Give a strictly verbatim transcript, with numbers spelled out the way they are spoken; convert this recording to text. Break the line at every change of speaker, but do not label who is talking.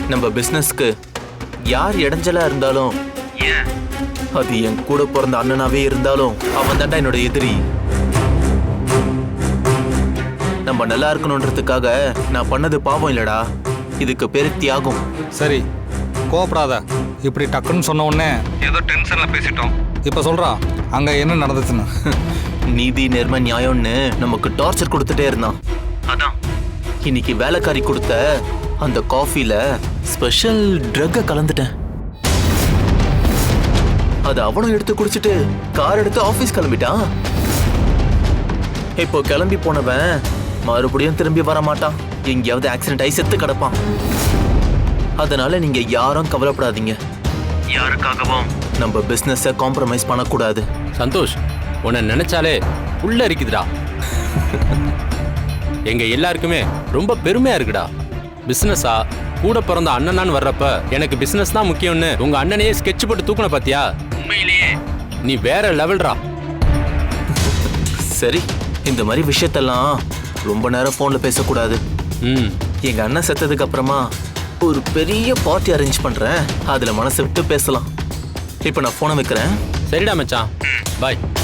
நம்ம பிசினஸ்க்கு யார் இடைஞ்சலா இருந்தாலும், ஏன் அது என் கூட பிறந்த அண்ணனாவே இருந்தாலும் அவன் தாண்டா என்னோட எதிரி. நம்ம நல்லா இருக்கணும்ன்றதுக்காக நான் பண்ணது பாவம் இல்லடா, இதுக்கு பேரு தியாகம்.
சரி, கோவப்படாத. இப்படி டக்குன்னு சொன்ன உடனே ஏதோ டென்ஷன்ல பேசிட்டோம். இப்ப சொல்றா அங்க என்ன நடந்துச்சுன்னு.
நீதி நேர்மை நியாயம்னு நமக்கு டார்ச்சர் கொடுத்துட்டே இருந்தான். அதான் இன்னைக்கு வேலைக்காரி கொடுத்த அந்த காஃபில ஸ்பெஷல் ட்ரக்க கலந்துட்டேன். அது அவனும் எடுத்து குடிச்சிட்டு கார் எடுத்து ஆபீஸ் கிளம்பிட்டான். இப்போ கிளம்பி போனவன் மறுபடியும் திரும்பி வர மாட்டான், எங்கேயாவது ஆக்சிடென்ட் ஆகி செத்து கிடப்பான். அதனால நீங்க யாரும் கவலைப்படாதீங்க, யாருக்காகவும் நம்ம பிசினஸை காம்ப்ரமைஸ் பண்ணக்கூடாது.
சந்தோஷ், உன்னை நினைச்சாலே உள்ள இருக்குதுடா. எங்க எல்லாருக்குமே ரொம்ப பெருமையா இருக்குடா. பிசினஸா கூட பிறந்த அண்ணனான்னு வர்றப்ப எனக்கு பிசினஸ் தான் முக்கியம்னு உங்க அண்ணனையே ஸ்கெட்ச் போட்டு தூக்குன பாத்தியா? உண்மையிலேயே நீ வேற லெவல்ரா.
சரி, இந்த மாதிரி விஷயத்தெல்லாம் ரொம்ப நேரம் போன்ல பேசக்கூடாது.
ம்
எங்க அண்ணன் செத்ததுக்கு அப்புறமா ஒரு பெரிய பார்ட்டி அரேஞ்ச் பண்றேன், அதுல மனசு விட்டு பேசலாம். இப்ப நான் போனை வைக்கிறேன்.
சரிடா மச்சான், பாய்.